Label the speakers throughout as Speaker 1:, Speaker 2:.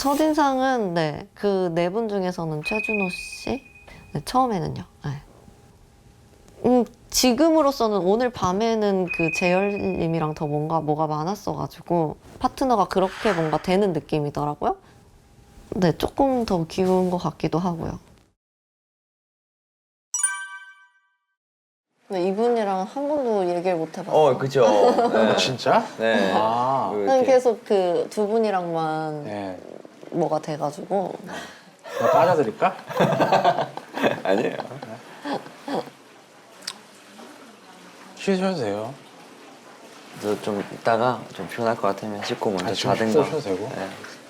Speaker 1: 첫인상은 네, 그 네 분 중에서는 최준호 씨? 네, 처음에는요. 네. 지금으로서는 오늘 밤에는 그 재열님이랑 더 뭐가 많았어가지고 파트너가 그렇게 뭔가 되는 느낌이더라고요. 네, 조금 더 기운 것 같기도 하고요. 네, 이분이랑 한 번도 얘기를 못 해봤어요.
Speaker 2: 그죠. 네.
Speaker 3: 진짜?
Speaker 2: 네.
Speaker 3: 아.
Speaker 1: 그냥 계속 그 두 분이랑만
Speaker 3: 네.
Speaker 1: 뭐가 돼가지고.
Speaker 3: 나 빠져드릴까?
Speaker 2: 아니에요.
Speaker 3: 쉬셔도 돼요.
Speaker 2: 저 좀 이따가 좀 피곤할 것 같으면 씻고 먼저
Speaker 3: 지금
Speaker 2: 자든가.
Speaker 3: 쉬셔도 되고.
Speaker 2: 네.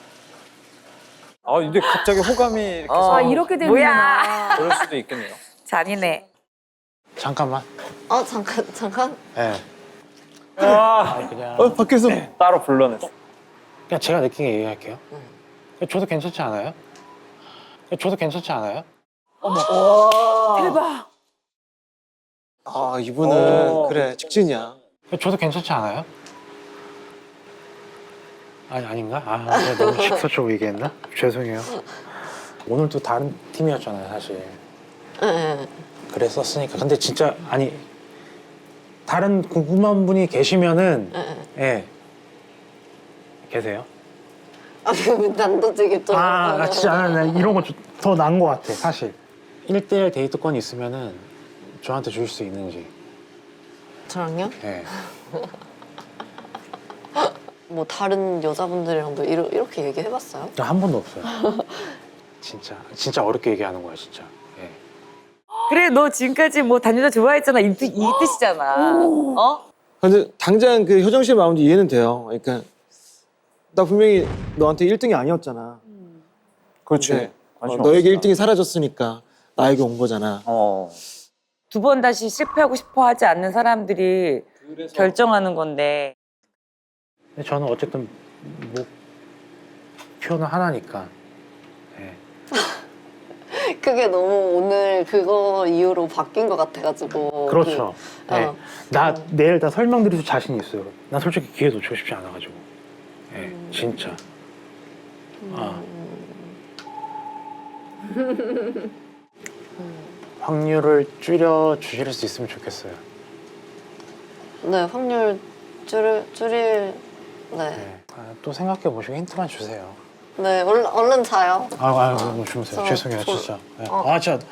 Speaker 4: 아 근데 갑자기 호감이 이렇게
Speaker 5: 아, 이렇게 되는구나.
Speaker 4: 그럴 수도 있겠네요.
Speaker 5: 잔인해.
Speaker 3: 잠깐만.
Speaker 1: 잠깐.
Speaker 3: 네.
Speaker 4: 와
Speaker 3: 그냥
Speaker 4: 밖에서 따로 불러냈어.
Speaker 3: 그냥 제가 느끼게 얘기할게요. 저도 괜찮지 않아요? 저도 괜찮지 않아요?
Speaker 5: 대박.
Speaker 6: 아 이분은
Speaker 4: 오.
Speaker 6: 그래 직진이야.
Speaker 3: 저도 괜찮지 않아요? 아니 아닌가? 아 제가 너무 직설적으로 얘기했나? 죄송해요. 오늘도 다른 팀이었잖아요 사실.
Speaker 1: 네.
Speaker 3: 그랬었으니까. 근데 진짜 아니 다른 궁금한 분이 계시면은 예 계세요?
Speaker 1: 난도지기 좀.
Speaker 3: 나 진짜 나 이런 거 더 나은 것 같아 사실. 1대1 데이트권이 있으면은 저한테 주실 수 있는지.
Speaker 1: 저랑요?
Speaker 3: 예.
Speaker 1: 뭐 다른 여자분들이랑도 이렇게 얘기해봤어요?
Speaker 3: 한 번도 없어요. 진짜 어렵게 얘기하는 거야 진짜. 예.
Speaker 5: 그래, 너 지금까지 뭐 단유자 좋아했잖아. 이 뜻이잖아. 어?
Speaker 6: 근데 당장 그 효정 씨의 마음도 이해는 돼요. 그러니까 나 분명히 너한테 1등이 아니었잖아.
Speaker 4: 그렇지.
Speaker 6: 너에게 1등이 사라졌으니까 나에게 온 거잖아.
Speaker 5: 두 번 다시 실패하고 싶어 하지 않는 사람들이 결정하는 건데.
Speaker 3: 근데 저는 어쨌든 목표는 하나니까. 예.
Speaker 1: 그게 너무 오늘 그거 이후로 바뀐 것 같아가지고.
Speaker 3: 그렇죠. 예.
Speaker 1: 어.
Speaker 3: 나 내일 다 설명드릴 수 자신 있어요. 난 솔직히 기회 놓치고 싶지 않아가지고. 예, 진짜. 확률을 줄여 주실 수 있으면 좋겠어요.
Speaker 1: 네, 확률 줄일. 네.
Speaker 3: 네. 또 생각해 보시고 힌트만 주세요.
Speaker 1: 네, 얼른 자요.
Speaker 3: 너무 주무세요.
Speaker 1: 저-
Speaker 3: 죄송해요,
Speaker 1: 저-
Speaker 3: 진짜. 네.
Speaker 1: 어.
Speaker 3: 진짜.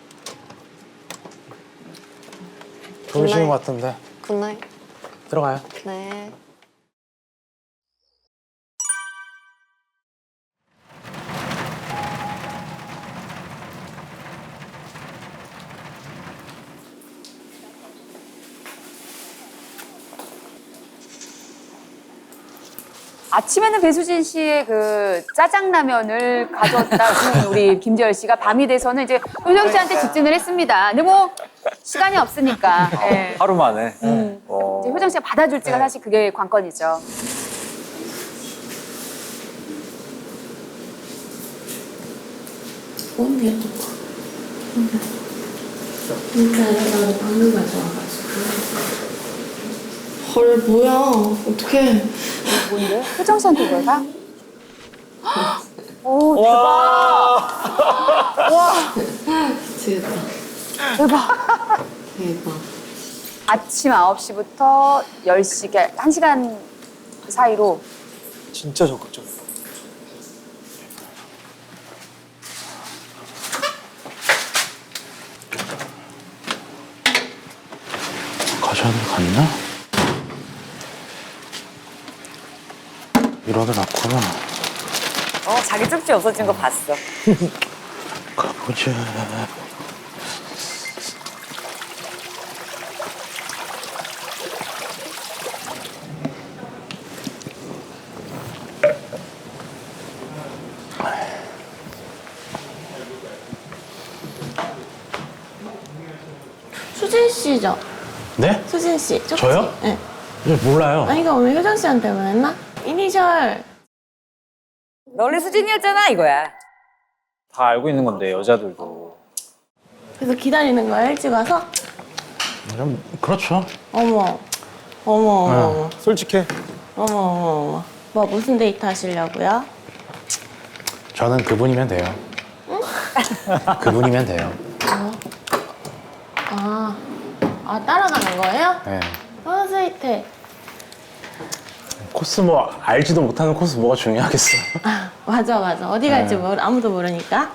Speaker 3: 졸리시는 것 같은데.
Speaker 1: 굿나잇.
Speaker 3: 들어가요.
Speaker 1: 네.
Speaker 7: 아침에는 배수진 씨의 그 짜장라면을 가져왔다는 우리 김재열 씨가 밤이 돼서는 이제 효정 씨한테 직진을 했습니다. 근데 뭐 시간이 없으니까. 예.
Speaker 4: 하루 만에.
Speaker 7: 이제 효정 씨가 받아줄지가 사실 그게 관건이죠.
Speaker 1: 헐, 뭐야. 어떡해.
Speaker 7: 뭔데? 효정 씨한테 왜 가? 오, 대박.
Speaker 1: 미치겠다.
Speaker 7: 대박.
Speaker 1: 대박.
Speaker 7: 아침 9시부터 10시, 1시간 사이로
Speaker 6: 진짜 적극적.
Speaker 3: 가셔도 갔나? 이러다 났구나.
Speaker 5: 자기 쪽지 없어진 거 봤어.
Speaker 3: 가보자.
Speaker 8: 수진 씨죠?
Speaker 3: 네?
Speaker 8: 수진 씨. 쪽지?
Speaker 3: 저요?
Speaker 8: 네.
Speaker 3: 몰라요.
Speaker 8: 아니, 이거 오늘 효정 씨한테 보냈나? 이니셜.
Speaker 5: 너 원래 수진이었잖아, 이거야.
Speaker 4: 다 알고 있는 건데 여자들도.
Speaker 8: 그래서 기다리는 거야, 일찍 와서?
Speaker 3: 그렇죠.
Speaker 8: 어머. 어머.
Speaker 6: 솔직해.
Speaker 8: 어머. 뭐, 무슨 데이트 하시려고요?
Speaker 3: 저는 그분이면 돼요. 그분이면 돼요.
Speaker 8: 따라가는 거예요?
Speaker 3: 네.
Speaker 8: 스위트해.
Speaker 3: 코스 뭐 알지도 못하는 코스 뭐가 중요하겠어.
Speaker 8: 맞아. 어디 갈지 아무도 모르니까.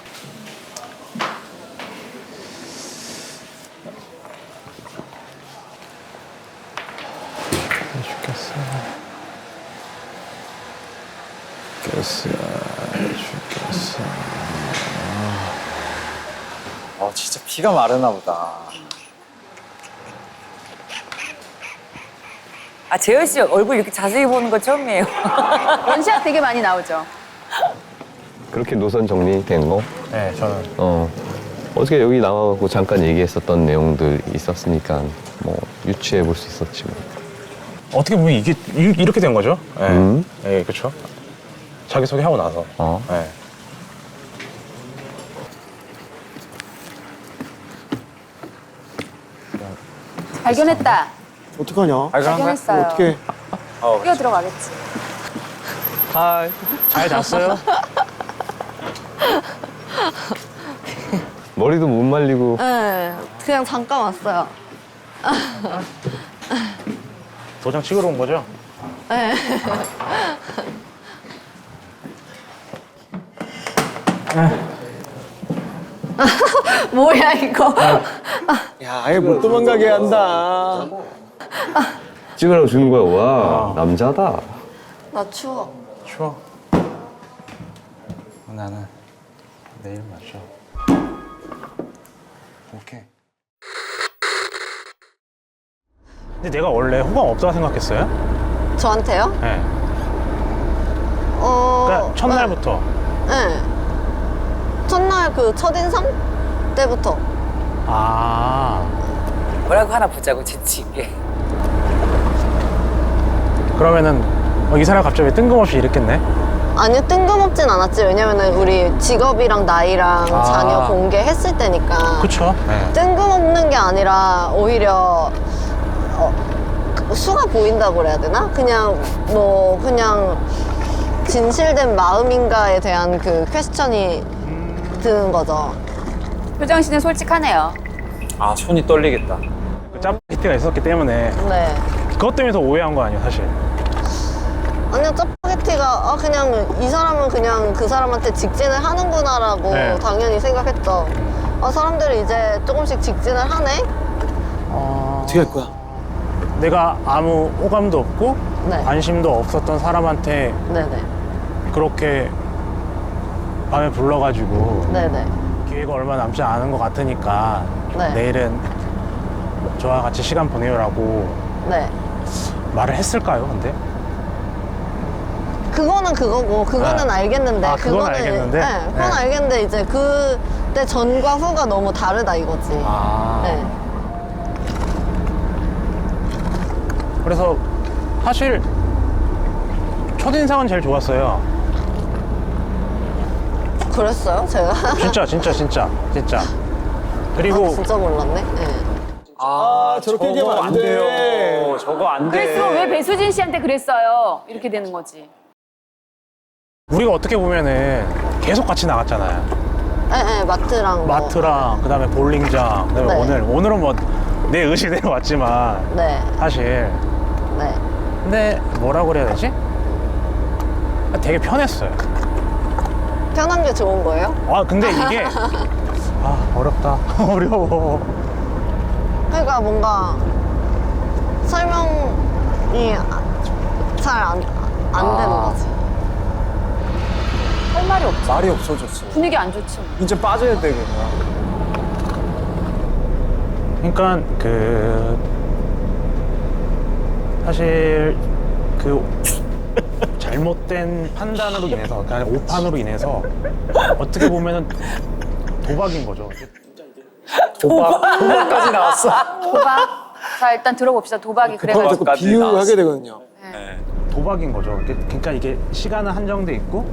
Speaker 3: 죽겠어.
Speaker 4: 진짜 피가 마르나 보다.
Speaker 5: 아 재열 씨 얼굴 이렇게 자세히 보는 거 처음이에요.
Speaker 7: 원샷 되게 많이 나오죠.
Speaker 9: 그렇게 노선 정리된 거?
Speaker 3: 네, 저는
Speaker 9: 어떻게 여기 나와갖고 잠깐 얘기했었던 내용들 있었으니까 뭐 유추해 볼 수 있었지 뭐.
Speaker 3: 어떻게 보면 이게 이렇게 된 거죠. 네,
Speaker 9: 음.
Speaker 3: 네 그렇죠. 자기 소개하고 나서. 네.
Speaker 7: 발견했다.
Speaker 6: 어떡하냐?
Speaker 7: 발견했어요.
Speaker 6: 어떻게?
Speaker 7: 뛰어 들어가겠지.
Speaker 9: 하이.
Speaker 3: 잘 잤어요?
Speaker 9: 머리도 못 말리고.
Speaker 1: 네, 그냥 잠깐 왔어요.
Speaker 3: 도장 찍으러 온 거죠?
Speaker 1: 네. 뭐야 이거?
Speaker 6: 야, 아예 못 도망가게 한다.
Speaker 9: 찍으라고 주는 거야. 와, 남자다.
Speaker 1: 나 추워.
Speaker 3: 추워. 나는 내일 마셔. 오케이. 근데 내가 원래 호감 없다고 생각했어요?
Speaker 1: 저한테요?
Speaker 3: 네. 그러니까 첫날부터.
Speaker 1: 네. 첫날 그 첫인상 때부터.
Speaker 3: 아.
Speaker 5: 뭐라고 하나 보자고 재치있게.
Speaker 3: 그러면은 이 사람 갑자기 뜬금없이 이랬겠네?
Speaker 1: 아니요, 뜬금없진 않았지. 왜냐면은 우리 직업이랑 나이랑 자녀 공개했을 때니까.
Speaker 3: 그쵸? 네.
Speaker 1: 뜬금없는 게 아니라 오히려 수가 보인다고 그래야 되나? 그냥 그냥 진실된 마음인가에 대한 그 퀘스천이 드는 거죠.
Speaker 7: 효정 씨는 솔직하네요.
Speaker 4: 아 손이 떨리겠다.
Speaker 3: 그 짜파게티가 있었기 때문에
Speaker 1: 네.
Speaker 3: 그것 때문에 더 오해한 거 아니에요, 사실?
Speaker 1: 아니요, 짜파게티가 그냥 이 사람은 그냥 그 사람한테 직진을 하는구나라고
Speaker 3: 네.
Speaker 1: 당연히 생각했죠. 사람들이 이제 조금씩 직진을 하네?
Speaker 6: 어떻게 할 거야?
Speaker 3: 내가 아무 호감도 없고
Speaker 1: 네.
Speaker 3: 관심도 없었던 사람한테
Speaker 1: 네네.
Speaker 3: 그렇게 밤에 불러가지고
Speaker 1: 네네.
Speaker 3: 기회가 얼마 남지 않은 것 같으니까
Speaker 1: 네.
Speaker 3: 내일은 저와 같이 시간 보내요라고
Speaker 1: 네.
Speaker 3: 말을 했을까요, 근데?
Speaker 1: 그거는 그거고, 그거는
Speaker 3: 네.
Speaker 1: 알겠는데.
Speaker 3: 그건 알겠는데?
Speaker 1: 네, 그건
Speaker 3: 네.
Speaker 1: 알겠는데, 이제 그때 전과 후가 너무 다르다 이거지. 네.
Speaker 3: 그래서 사실 첫인상은 제일 좋았어요.
Speaker 1: 그랬어요, 제가?
Speaker 3: 진짜. 그리고
Speaker 1: 진짜 몰랐네. 네.
Speaker 6: 저렇게 얘기하면 안 돼.
Speaker 4: 저거 안 돼.
Speaker 7: 그랬으면 왜 배수진 씨한테 그랬어요? 이렇게 되는 거지.
Speaker 3: 우리가 어떻게 보면은 계속 같이 나갔잖아요.
Speaker 1: 네, 마트랑.
Speaker 3: 마트랑 그다음에 볼링장, 그다음에
Speaker 1: 네.
Speaker 3: 오늘은 뭐 내 의지대로 왔지만
Speaker 1: 네.
Speaker 3: 사실.
Speaker 1: 네.
Speaker 3: 근데 뭐라고 그래야 되지? 되게 편했어요.
Speaker 1: 편한 게 좋은 거예요?
Speaker 3: 근데 이게 어렵다. 어려워.
Speaker 1: 그러니까 뭔가 설명이 잘 안 되는 거지.
Speaker 7: 할 말이 없지.
Speaker 6: 말이 없어졌어.
Speaker 7: 분위기 안 좋지.
Speaker 6: 이제 빠져야 돼, 그냥.
Speaker 3: 그러니까 사실 잘못된 판단으로 인해서, 그러니까 오판으로 인해서 어떻게 보면은 도박인 거죠.
Speaker 4: 도박까지 나왔어.
Speaker 7: 도박. 자, 일단 들어봅시다. 도박이 그래가지고.
Speaker 6: 자꾸
Speaker 4: 도박까지
Speaker 6: 비유하게
Speaker 4: 나왔어.
Speaker 6: 되거든요.
Speaker 3: 도박인 거죠. 그러니까 이게 시간은 한정돼 있고,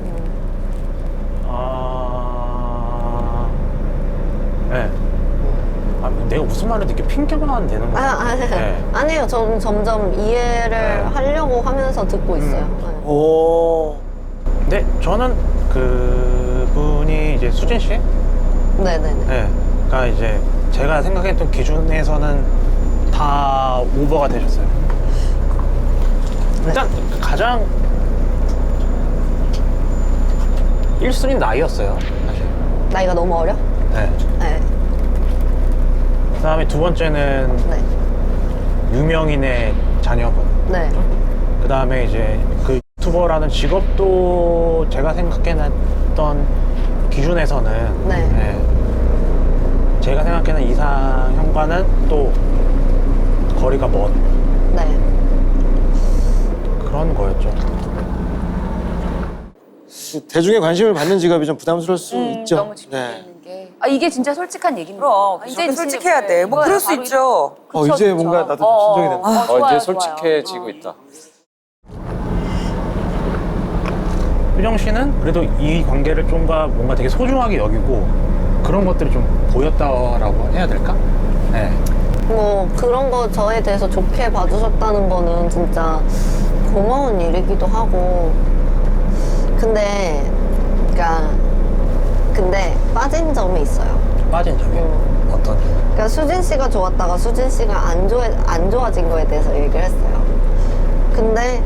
Speaker 3: 네. 내가 무슨 말을 이렇게 핑계만 하면 되는 거야. 네.
Speaker 1: 아니에요. 저는 점점 이해를 하려고 하면서 듣고 있어요. 네.
Speaker 6: 오.
Speaker 3: 근데 저는 그분이 이제 수진 씨?
Speaker 1: 네네네.
Speaker 3: 네. 그러니까 이제 제가 생각했던 기준에서는 다 오버가 되셨어요. 일단 가장 1순위 나이였어요, 사실.
Speaker 1: 나이가 너무 어려?
Speaker 3: 네.
Speaker 1: 네.
Speaker 3: 그다음에 두 번째는
Speaker 1: 네.
Speaker 3: 유명인의 자녀분.
Speaker 1: 네.
Speaker 3: 그다음에 이제 그 유튜버라는 직업도 제가 생각해놨던 기준에서는
Speaker 1: 네.
Speaker 3: 제가 생각하는 이상형과는 또 거리가 먼
Speaker 1: 네.
Speaker 3: 그런 거였죠.
Speaker 6: 대중의 관심을 받는 직업이 좀 부담스러울 수 있죠.
Speaker 7: 너무 집중되는 게. 아, 이게 진짜 솔직한 얘기입니다.
Speaker 5: 그럼
Speaker 7: 아,
Speaker 5: 이제 솔직해야 돼. 뭐 그럴 수
Speaker 7: 바로
Speaker 5: 있죠.
Speaker 7: 그쵸,
Speaker 6: 이제
Speaker 7: 그쵸.
Speaker 6: 뭔가 나도 좀 진정이 된다.
Speaker 7: 좋아요,
Speaker 4: 이제 솔직해지고
Speaker 7: 좋아요.
Speaker 4: 있다.
Speaker 3: 효정 씨는 그래도 이 관계를 좀가 뭔가 되게 소중하게 여기고 그런 것들이 좀 보였다라고 해야 될까? 네.
Speaker 1: 뭐 그런 거 저에 대해서 좋게 봐주셨다는 거는 진짜 고마운 일이기도 하고 근데 빠진 점이 있어요.
Speaker 3: 빠진 점이 어떤 점?
Speaker 1: 그러니까 수진 씨가 좋았다가 수진 씨가 안 좋아진 거에 대해서 얘기를 했어요. 근데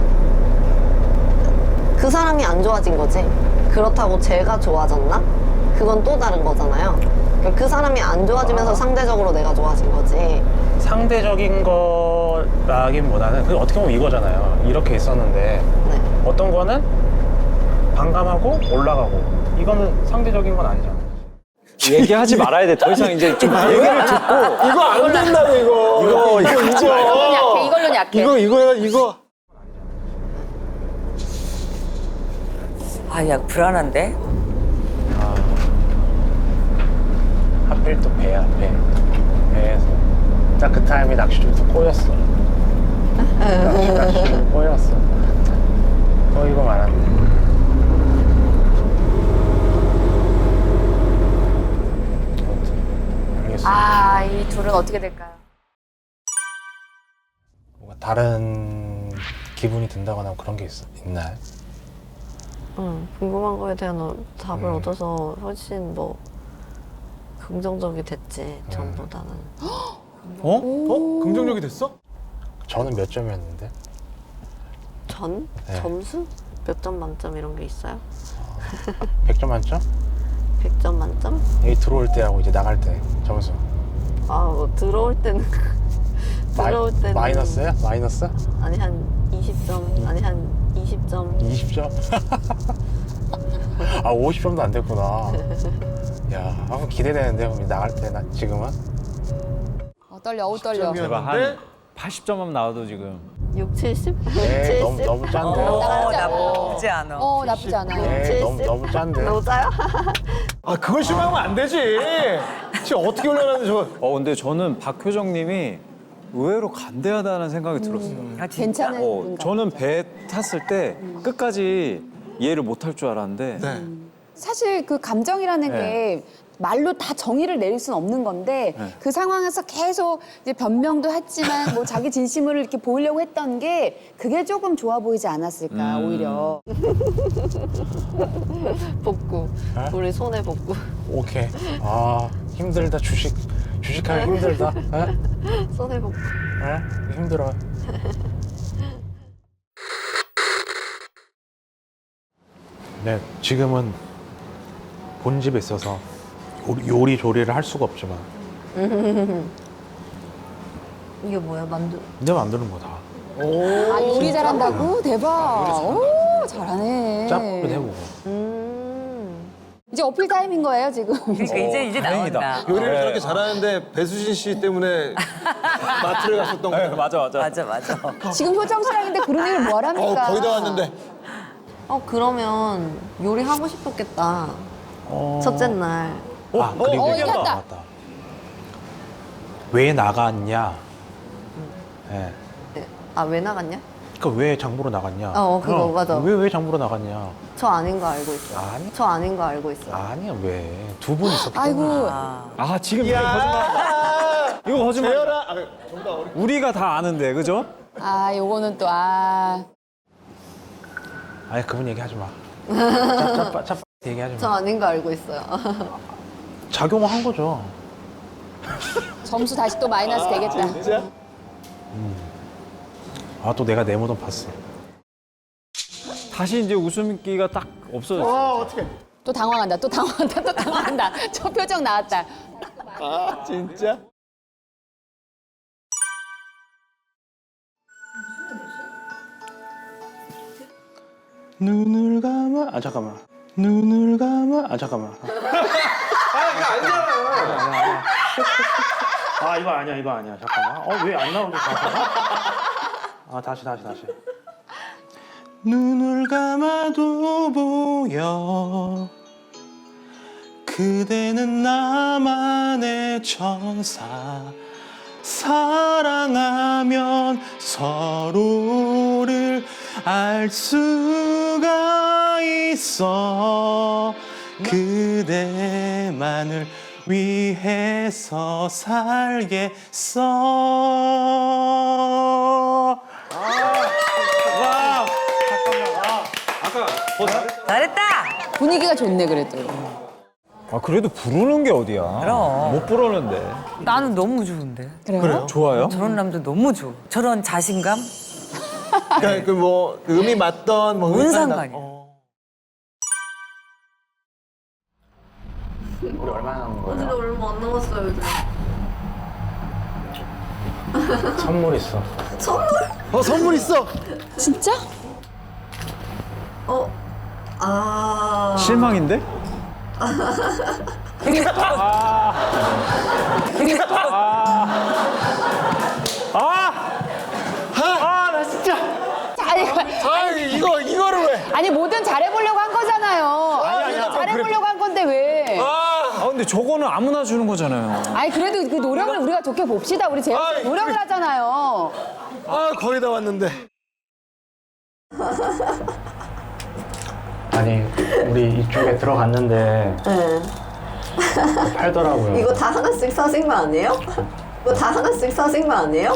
Speaker 1: 그 사람이 안 좋아진 거지. 그렇다고 제가 좋아졌나? 그건 또 다른 거잖아요. 그러니까 그 사람이 안 좋아지면서 상대적으로 내가 좋아진 거지.
Speaker 3: 상대적인 거라기보다는 그 어떻게 보면 이거잖아요. 이렇게 있었는데
Speaker 1: 네.
Speaker 3: 어떤 거는 반감하고 올라가고 이거는 상대적인 건 아니잖아요.
Speaker 4: 얘기하지 말아야 돼. 더 이상 이제 좀 얘기를 듣고.
Speaker 6: 이거 안 된다고 이거.
Speaker 7: 이걸로는 약해.
Speaker 6: 이거.
Speaker 5: 아, 야, 불안한데?
Speaker 3: 하필 또 배야, 배. 배에서 딱 그 타임에 낚시줄에서 꼬였어. 낚시줄 꼬였어. 이거 말았네. 아무튼 알겠어.
Speaker 7: 아, 이 둘은 어떻게 될까요?
Speaker 3: 뭔가 다른 기분이 든다거나 그런 게 있나요?
Speaker 1: 궁금한 거에 대한 답을 얻어서 훨씬 뭐 긍정적이 됐지 전보다는.
Speaker 6: 긍정적이 됐어?
Speaker 3: 저는 몇 점이었는데? 네.
Speaker 1: 점수? 몇 점 만점 이런 게 있어요?
Speaker 3: 100점 만점?
Speaker 1: 100점 만점?
Speaker 3: 여기 들어올 때하고 이제 나갈 때 점수.
Speaker 1: 뭐 들어올 때는 들어올 때는
Speaker 3: 마이너스야? 마이너스?
Speaker 1: 아니 한 20점 아니 한 20점
Speaker 3: 20점? 아 50점도 안 됐구나. 야, 한번 기대되는데 그럼 나갈 때 나 지금은?
Speaker 7: 떨려, 떨려.
Speaker 4: 제가 한 80점만 나와도 지금.
Speaker 1: 6, 70?
Speaker 3: 네,
Speaker 1: 70?
Speaker 3: 너무 짠데.
Speaker 5: 나쁘지 않아.
Speaker 7: 나쁘지 않아요.
Speaker 3: 네, 너무 짠데.
Speaker 1: 너무 짜요?
Speaker 6: 아 그걸 실망하면 안 되지. 지금 어떻게 올려놨는데 저.
Speaker 4: 근데 저는 박효정님이 의외로 간대하다는 생각이 들었어요.
Speaker 5: 아, 진짜?
Speaker 7: 괜찮은
Speaker 4: 저는 배 탔을 때 끝까지 이해를 못 할 줄 알았는데
Speaker 7: 사실 그 감정이라는
Speaker 4: 네.
Speaker 7: 게 말로 다 정의를 내릴 수는 없는 건데
Speaker 4: 네.
Speaker 7: 그 상황에서 계속 이제 변명도 했지만 뭐 자기 진심을 이렇게 보이려고 했던 게 그게 조금 좋아 보이지 않았을까 오히려.
Speaker 1: 복구. 우리 손에 복구.
Speaker 3: 오케이. 아, 힘들다. 주식하기 힘들다. 에?
Speaker 1: 손에 복구.
Speaker 3: 에? 힘들어. 네, 지금은 본집에 있어서 요리 조리를 할 수가 없지만
Speaker 1: 이게 뭐야 만두?
Speaker 3: 내 만드는 거다.
Speaker 7: 아 요리 잘한다고? 대박. 오 잘하네.
Speaker 3: 짭도 해보고.
Speaker 7: 이제 어필 타임인 거예요 지금.
Speaker 5: 그러니까 이제 나온다.
Speaker 6: 요리를 저렇게 잘하는데 배수진 씨 때문에 마트를 갔었던 거예요.
Speaker 4: 맞아.
Speaker 7: 지금 효정 씨랑인데 그런 얘기를 뭐 하랍니까?
Speaker 6: 거의 다 왔는데.
Speaker 1: 그러면 요리 하고 싶었겠다. 첫째 날.
Speaker 3: 아, 그리고
Speaker 7: 얘기한다.
Speaker 3: 맞다. 왜 나갔냐? 예.
Speaker 1: 왜 나갔냐?
Speaker 3: 그러니까 왜 장보러 나갔냐?
Speaker 1: 그거 맞아.
Speaker 3: 왜 장보러 나갔냐?
Speaker 1: 저 아닌 거 알고 있어요.
Speaker 3: 아니?
Speaker 1: 저 아닌 거 알고 있어요.
Speaker 3: 아니야, 왜? 두 분 있었기
Speaker 7: 아이고.
Speaker 3: 때문에.
Speaker 4: 지금 이거 거짓말. 이거 거짓말.
Speaker 6: 재열아.
Speaker 4: 우리가 다 아는데, 그죠?
Speaker 7: 아 요거는 또
Speaker 3: 아니, 그분 얘기하지 마. 짭 얘기하지
Speaker 1: 저
Speaker 3: 마.
Speaker 1: 아닌 거 알고 있어요.
Speaker 3: 작용한 거죠.
Speaker 7: 점수 다시 또 마이너스 되겠다.
Speaker 6: 진짜?
Speaker 3: 아, 또 내가 내 무덤 봤어.
Speaker 4: 다시 이제 웃음기가 딱 없어졌어.
Speaker 6: 와 어떡해.
Speaker 7: 또 당황한다. 또 당황한다. 또 당황한다. 저 표정 나왔다.
Speaker 6: 아 진짜?
Speaker 3: 눈을 감아. 아, 잠깐만. 눈을 감아. 아, 잠깐만. 아, 이거 아니야, 이거 아니야. 잠깐만. 왜 안 나오지, 다시. 다시. 눈을 감아도 보여. 그대는 나만의 천사. 사랑하면 서로를 알 수가 있어. 그대만을 위해서 살겠어. 와, 잠깐만.
Speaker 4: 아까
Speaker 5: 잘했다.
Speaker 7: 분위기가 좋네 그래도.
Speaker 4: 아 그래도 부르는 게 어디야?
Speaker 5: 그럼.
Speaker 4: 못 부르는데.
Speaker 5: 나는 너무 좋은데.
Speaker 7: 그래요?
Speaker 4: 좋아요?
Speaker 5: 저런 남자 너무 좋아. 저런 자신감?
Speaker 6: 그러니까 그뭐 음이 맞던 뭐
Speaker 5: 뭔
Speaker 6: 음이
Speaker 5: 상관이야.
Speaker 3: 우리 얼마나 남은 거야?
Speaker 1: 근데 얼마 안 남았어요, 요즘.
Speaker 3: 선물 있어.
Speaker 6: 선물 있어.
Speaker 7: 진짜?
Speaker 4: 실망인데?
Speaker 3: 나 진짜.
Speaker 6: 이거를 왜?
Speaker 7: 아니 뭐든 잘해보려고 한 거잖아요.
Speaker 6: 아니야.
Speaker 7: 잘해보려고 한 건데 왜?
Speaker 4: 아 근데 저거는 아무나 주는 거잖아요.
Speaker 7: 아니 그래도 그 노력을 우리가 좋게 봅시다. 우리 재현 씨 노력을 하잖아요.
Speaker 6: 아 거의 다 왔는데.
Speaker 3: 아니, 우리 이쪽에 들어갔는데
Speaker 1: 네.
Speaker 3: 팔더라고요.
Speaker 1: 이거 다 하나씩 사신 거 아니에요? 이거 다 하나씩 사신 거 아니에요?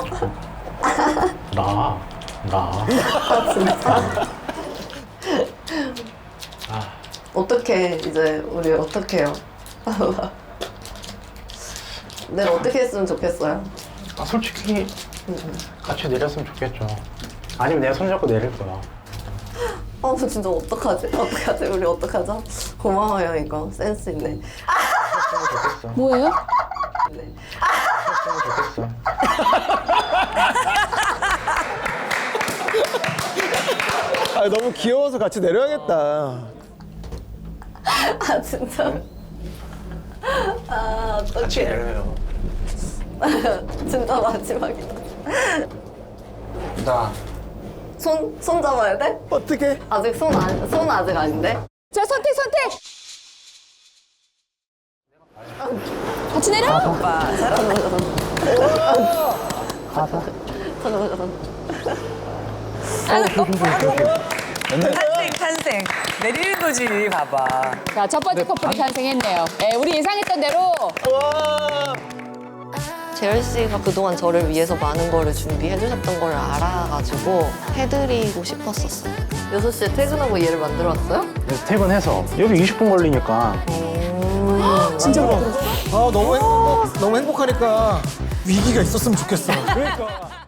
Speaker 3: 나.
Speaker 1: 아, 진짜? 어떻게 이제 우리 어떻게 해요? 내가 어떻게 했으면 좋겠어요?
Speaker 3: 아, 솔직히 같이 내렸으면 좋겠죠. 아니면 내가 손잡고 내릴 거야.
Speaker 1: 진짜 어떡하지? 어떡하지? 우리 어떡하죠? 고마워요 이거 센스 있네.
Speaker 3: 좋겠어.
Speaker 7: 뭐예요?
Speaker 3: 좋겠어.
Speaker 6: 아 너무 귀여워서 같이 내려야겠다.
Speaker 1: 아 진짜?
Speaker 3: 같이 내려요.
Speaker 1: 진짜 마지막이다.
Speaker 3: 나.
Speaker 1: 손 잡아야 돼?
Speaker 6: 어떻게?
Speaker 1: 아직 손 아직 아닌데?
Speaker 7: 자 선택. 같이 내려.
Speaker 5: 오빠 사랑. 탄생. 내리는 거지, 봐봐.
Speaker 7: 자 첫 번째 커플이 탄생했네요. 네, 우리 예상했던 대로.
Speaker 1: 재열 씨가 그동안 저를 위해서 많은 거를 준비해 주셨던 걸 알아가지고 해드리고 싶었었어요. 6시에 퇴근하고 얘를 만들어 왔어요?
Speaker 3: 그래서 퇴근해서 여기 20분 걸리니까
Speaker 7: 진짜
Speaker 6: 너무 행복하니까 위기가 있었으면 좋겠어.
Speaker 4: 그러니까.